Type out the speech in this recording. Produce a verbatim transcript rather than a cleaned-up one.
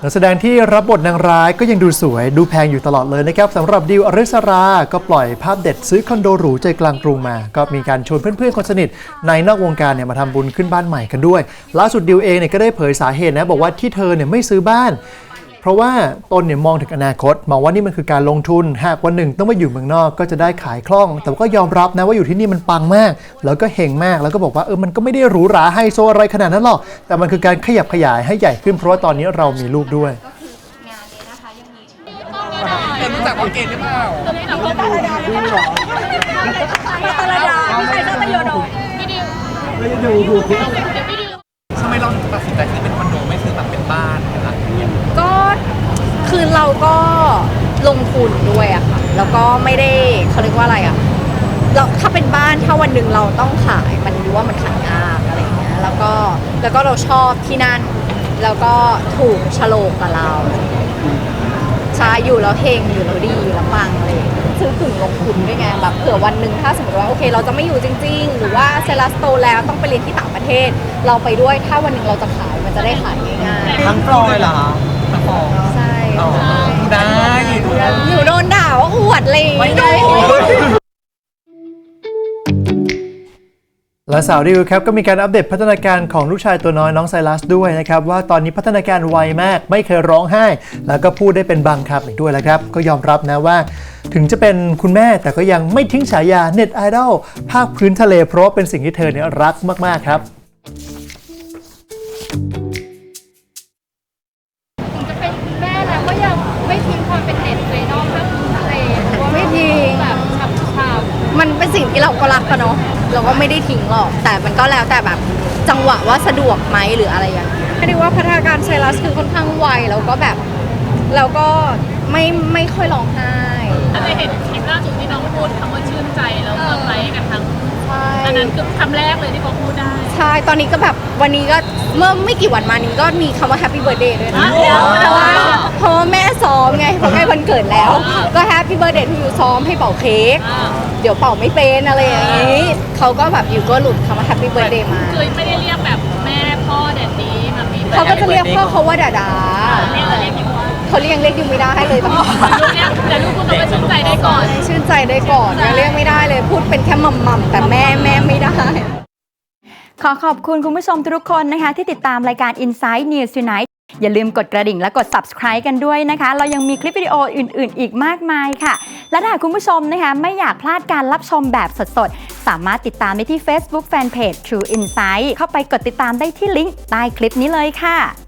นักแสดงที่รับบทนางร้ายก็ยังดูสวยดูแพงอยู่ตลอดเลยนะครับสำหรับดิวอริสราก็ปล่อยภาพเด็ดซื้อคอนโดหรูใจกลางกรุงมาก็มีการชวนเพื่อนๆคนสนิทในนอกวงการเนี่ยมาทำบุญขึ้นบ้านใหม่กันด้วยล่าสุดดิวเองเนี่ยก็ได้เผยสาเหตุนะบอกว่าที่เธอเนี่ยไม่ซื้อบ้านเพราะว่าตนเนี่ยมองถึงอนาคตมองว่านี่มันคือการลงทุนหากวันหนึ่งต้องมาอยู่เมืองนอกก็จะได้ขายคล่องแต่ก็ยอมรับนะว่าอยู่ที่นี่มันปังมากแล้วก็เฮงมากแล้วก็บอกว่าเออมันก็ไม่ได้หรูหราไฮโซอะไรขนาดนั้นหรอกแต่มันคือการขยับขยายให้ใหญ่ขึ้นเพราะว่าตอนนี้เรามีลูกด้วยเอ็มรู้จักว่าเกณฑ์หรือเปล่าพี่ตาลดาพี่ตาลดาพี่ใครต้องประโยชน์พี่ดิวไม่ดูดูทำไมเราตัดสินใจซื้อเป็นคอนโดไม่ซื้อแบบเป็นบ้านเป็นหลังเงี้ยก็คือเราก็ลงทุนด้วยอะค่ะแล้วก็ไม่ได้เขาเรียกว่าอะไรอะเราถ้าเป็นบ้านถ้าวันหนึ่งเราต้องขายมันรู้ว่ามันขายยากอะไรเงี้ยแล้วก็แล้วก็เราชอบที่นั่นแล้วก็ถูกฉลกกับเราใช่อยู่แล้วเฮงอยู่แล้วดีแล้วปังอะไรซื้อกึ่งลงทุนด้วยไงแบบเผื่อวันหนึ่งถ้าสมมติว่าโอเคเราจะไม่อยู่จริงๆหรือว่าเซลัสโตแล้วต้องไปเรียนที่ต่างประเทศเราไปด้วยถ้าวันหนึ่งเราจะขายมันจะได้ขายง่ายๆทั้งฟลอยเหรอทั้งฟลอยใช่ได้หนูโดนด่าว่าอวดเลยไม่ได้และสาวดิวครับก็มีการอัปเดตพัฒนาการของลูกชายตัวน้อยน้องไซรัสด้วยนะครับว่าตอนนี้พัฒนาการไวมากไม่เคยร้องไห้แล้วก็พูดได้เป็นบางคำอีกด้วยแล้วครับก็ยอมรับนะว่าถึงจะเป็นคุณแม่แต่ก็ยังไม่ทิ้งฉายาเน็ตไอดอลภาคพื้นทะเลเพราะเป็นสิ่งที่เธอเนี่ยรักมากๆครับถึงจะเป็นคุณแม่แล้วก็ยังไม่ทิ้งความเป็นเน็ตไอดอลภาคพื้นทะเลไม่ทิ้งแบบชับชับมันเป็นสิ่งที่เราก็รักกันเนาะเราก็ไม่ได้ทิ้งหรอกแต่มันก็แล้วแต่แบบจังหวะว่าสะดวกไหมหรืออะไรอย่างเงี้ยไม่ได้ว่าพัฒนาการไซรัสคือค่อนข้างไวแล้วก็แบบแล้วก็ไม่ไม่ค่อยร้องไห้อันนี้เห็นคลิปล่าสุดที่น้องพูดคำว่าชื่นใจแล้วเซอร์ไพรส์กันทั้งอันนั้นคือคำแรกเลยที่เขาพูดได้ใช่ตอนนี้ก็แบบวันนี้ก็เมื่อไม่กี่วันมานี้ก็มีคำว่า Happy Birthday ด้วยนะเพราะว่าเพราะว่าแม่ซ้อมไงเพราะใกล้วันเกิดแล้วก็ Happy Birthday ที่อยู่ซ้อมให้เป่าเค้กเดี๋ยวเป่าไม่เป็นอะไรอย่างนี้เขาก็แบบอยู่ก็หลุดคำว่า Happy Birthday มาคือไม่ได้เรียกแบบแม่พ่อแดดดี้แบบนี้เขาก็จะเรียกพ่อเขาว่าดาดาเขาเรียกเรียกยังไม่ได้เลยตอนนี้ลูกเรียกแต่ลูกพูดคำว่าชื่นใจได้ก่อนชื่นใจได้ก่อนยังเรียกไม่ได้เลยพูดเป็นแค่หม่ำๆแต่แม่แม่ไม่ได้ขอขอบคุณคุณผู้ชมทุกคนนะคะที่ติดตามรายการ Inside News Tonight อย่าลืมกดกระดิ่งและกด Subscribe กันด้วยนะคะเรายังมีคลิปวิดีโออื่นๆอีกมากมายค่ะและถ้าคุณผู้ชมนะคะไม่อยากพลาดการรับชมแบบสดๆสามารถติดตามได้ที่ Facebook Fanpage True Insight เข้าไปกดติดตามได้ที่ลิงก์ใต้คลิปนี้เลยค่ะ